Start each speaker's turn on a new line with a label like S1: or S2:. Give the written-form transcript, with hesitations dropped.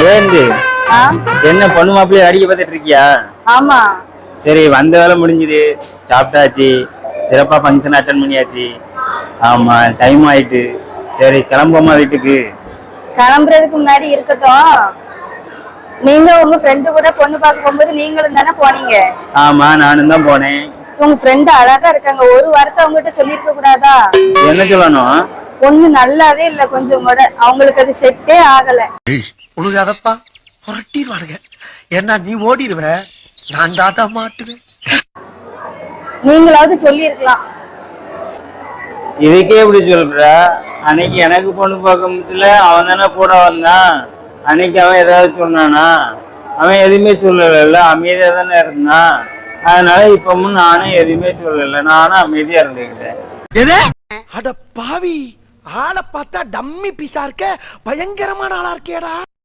S1: ஜெயந்தி,
S2: ஆ
S1: என்ன பொண்ணு மாப்பிள்ளைய அடிக்க பார்த்துட்டு இருக்கியா?
S2: ஆமா.
S1: சரி, வந்த வேலை முடிஞ்சுது, சாப்பிட்டாச்சு, சிறப்பா ஃபங்க்ஷன் அட்டன் பண்ணியாச்சு. ஆமா, டைம் ஆயிட்டு. சரி, கிளம்புமா வீட்டுக்கு.
S2: கிளம்புறதுக்கு முன்னாடி இருக்கட்டும். நீங்க உங்க ஃப்ரெண்டு கூட பொண்ணு பார்க்க போகும்போது நீங்களும் தானே போனீங்க?
S1: ஆமா, நானும் தான் போனேன்.
S2: உங்க ஃப்ரெண்டு அழகா இருக்காங்க, ஒரு வார்த்தை அவங்ககிட்ட சொல்லிருக்க கூடாதா?
S1: என்ன சொல்லணும்?
S2: பொண்ணு நல்லாவே இல்ல, கொஞ்சம் கூட அவங்களுக்கு அது செட்டே ஆகல.
S3: உழுகாதப்பா புரட்டிடுவானுங்க. ஏன்னா நீ ஓடிடுவ, நான் தாத்தா மாட்டுவேன்.
S2: நீங்களாவது சொல்லிருக்கலாம்.
S1: இதுக்கே இப்படி சொல்ற? அன்னைக்கு எனக்கு பொண்ணு பார்க்கல, அவன் தானே கூட வந்தான். அன்னைக்கு அவன் ஏதாவது சொன்னானா? அவன் எதுவுமே சொல்லல, அமைதியா தானே இருந்தான். அதனால இப்பவும் நானும் எதுவுமே சொல்லல, நானும் அமைதியா இருந்துக்கிட்டேன்.
S3: அட பாவி, ஆளை பார்த்தா டம்மி பீஸா இருக்க, பயங்கரமான ஆளா இருக்கேடா.